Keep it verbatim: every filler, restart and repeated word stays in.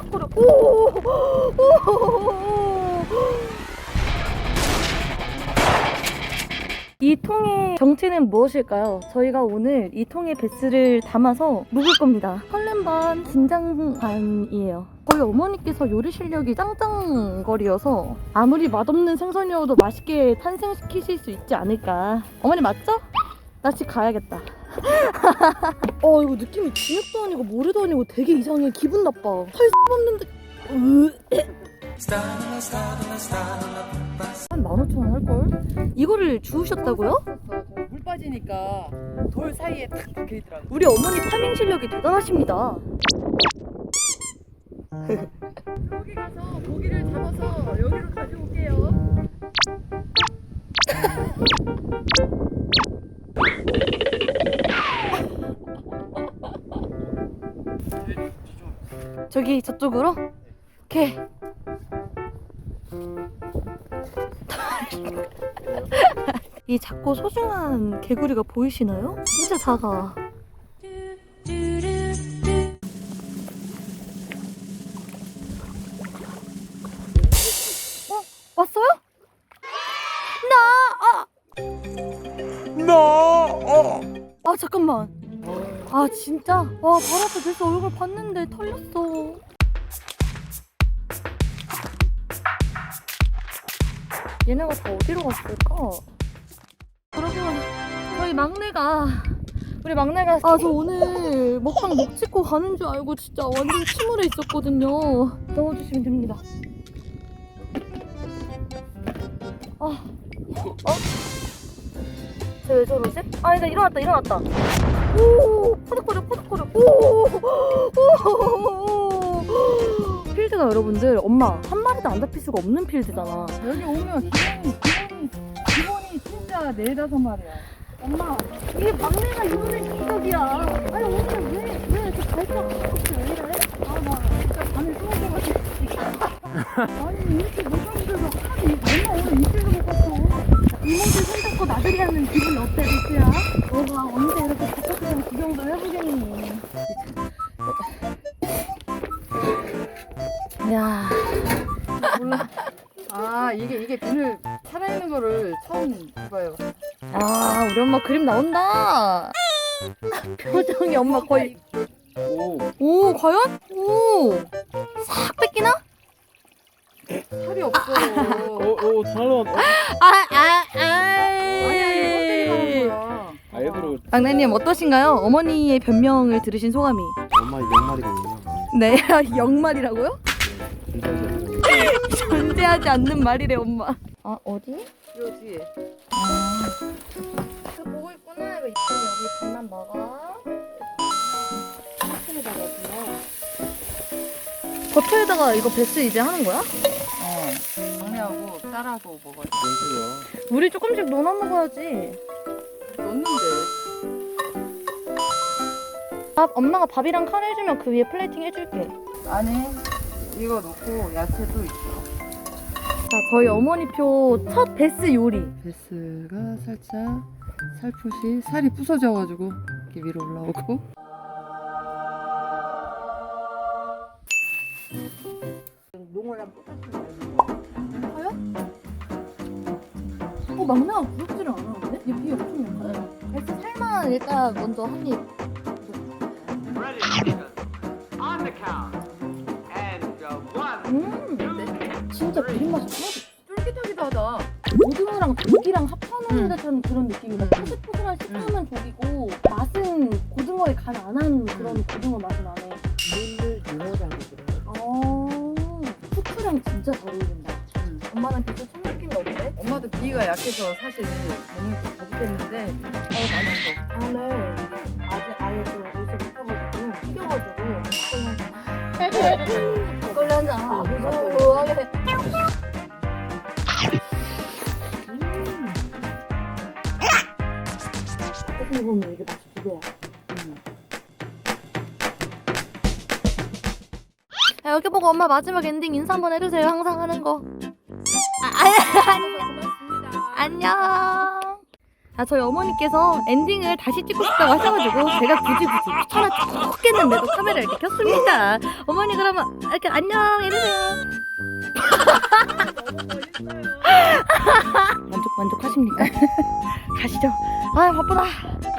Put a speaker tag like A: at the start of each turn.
A: 포덕포덕. 오! 이 통의 정체는 무엇일까요? 저희가 오늘 이 통에 베스를 담아서 묵을 겁니다. 설렘 반, 긴장 반이에요. 저희 어머니께서 요리 실력이 짱짱거리여서 아무리 맛없는 생선이어도 맛있게 탄생시키실 수 있지 않을까. 어머니 맞죠? 나 집 가야겠다. 어 이거 느낌이 진흙도 아니고 모래도 아니고 되게 이상해. 기분 나빠. 살 없는데. 한 만 오천 원 할걸? 이거를 주우셨다고요?
B: 물 빠지니까 돌 사이에 탁 박혀있더라고.
A: 우리 어머니 파밍 실력이 대단하십니다.
B: 여기 가서 고기를 잡아서 여기로 가져올게요.
A: 저기 저쪽으로? 오케이. 이 작고 소중한 개구리가 보이시나요? 진짜 작아. 어? 왔어요? 나! 아!
C: 나! 어!
A: 아 잠깐만. 아 진짜? 와 바로 앞에 벌써 얼굴 봤는데 털렸어. 얘네가 다 어디로 갔을까? 여러분 저희 막내가 우리 막내가 아 저 오늘 먹방 목 찍고 가는 줄 알고 진짜 완전 침울해 있었거든요. 넣어주시면 됩니다. 아 어? 쟤 왜 저러지? 아 일단 일어났다 일어났다. 오 포덕포덕 포덕포덕. 오 필드가 여러분들 엄마 한 마리도 안 잡힐 수가 없는 필드잖아.
B: 여기 오면 기본이 기본이 기본이 진짜 네다섯 마리야.
A: 엄마 이게 막내가 이번에 기적이야. 아니 오늘 왜왜 이렇게 발가락 없이 왜 이래?
B: 아나 진짜 밤에 숨어져가지고. 아니 이렇게 못하면서 하나도 이- 엄마 오늘 이틀도 못 갔어.
A: 이모들 손잡고 나들이 하는 기분이 어때 리스야? 너가 언제 이렇게 바깥에서 구경도 해보겠니? 야
B: 몰라. 아 이게 이게 비늘 살아있는 거를 처음 봐요.
A: 아 우리 엄마 그림 나온다. 표정이 엄마 거의
C: 오!
A: 오 과연? 오싹 뺏기나?
B: 살이 없어.
C: 오! 오! 잘한!
A: 아아아
B: 아니야 이거 껍데기 나온 거야.
C: 아 얘들아
A: 막내님 어떠신가요? 어머니의 변명을 들으신 소감이?
C: 엄마 영말이거든요.
A: 네 영말이라고요?
C: 진짜
A: 존재하지 않는 말이래 엄마. 아 어디?
B: 요 뒤에.
A: 그 보고 있구나. 이거 이쪽에 여기 반만 먹어. 버터에다가 버터에다가 이거 베스 이제 하는 거야?
B: 어. 막내하고 딸하고 먹어야 돼.
C: 뭔
A: 우리 조금씩 넣어 먹어야지.
B: 넣는데.
A: 밥 엄마가 밥이랑 카레 해주면 그 위에 플레이팅 해줄게.
B: 안에 이거 넣고 야채도 있어.
A: 자 저희 어머니표 첫 베스 요리.
B: 베스가 살짝 살포시 살이 부서져가지고 이렇게 위로 올라오고. 농어랑
A: 어 막내가 부럽지를 않아 근데? 얘 비 엄청 약해. 베스 살만 일단 먼저 한 입.
D: Ready, Stephen. On the count. And uh, one,
A: 음
D: two,
A: 진짜 비린 맛이 하나도
B: 쫄깃하기도 하다.
A: 고등어랑 조기랑 합쳐놓은
B: 음.
A: 듯한 그런 느낌이다. 포슬포슬한 식감은 조기고 맛은 고등어에 간 안 한 그런 고등어 맛이 나네.
B: 물을 넣으라고 그래.
A: 어, 후추랑 진짜 잘 어울린다.
B: 음.
A: 엄마는 진짜 첫 느낌이 어때?
B: 엄마도 비위가 약해서 사실 몸이 좀 거북했는데 어 맛있어.
A: 다음에 아직 아예 좀 옷을 못하가지고 튀겨가지고 막걸리 한 잔. 아, 고소하게. 어떻게 보면 이게 맛이 두 배야. 야, 여기 보고 엄마 마지막 엔딩 인사 한번 해주세요. 항상 하는 거. 아, 아, 안녕. 아, 저희 어머니께서 엔딩을 다시 찍고 싶다고 하셔가지고 제가 굳이 굳이 귀찮아 죽겠는데도 카메라를 이렇게 켰습니다. 어머니 그러면 이렇게 안녕 이러세요. 만족 만족하십니까? 가시죠. 아 바쁘다.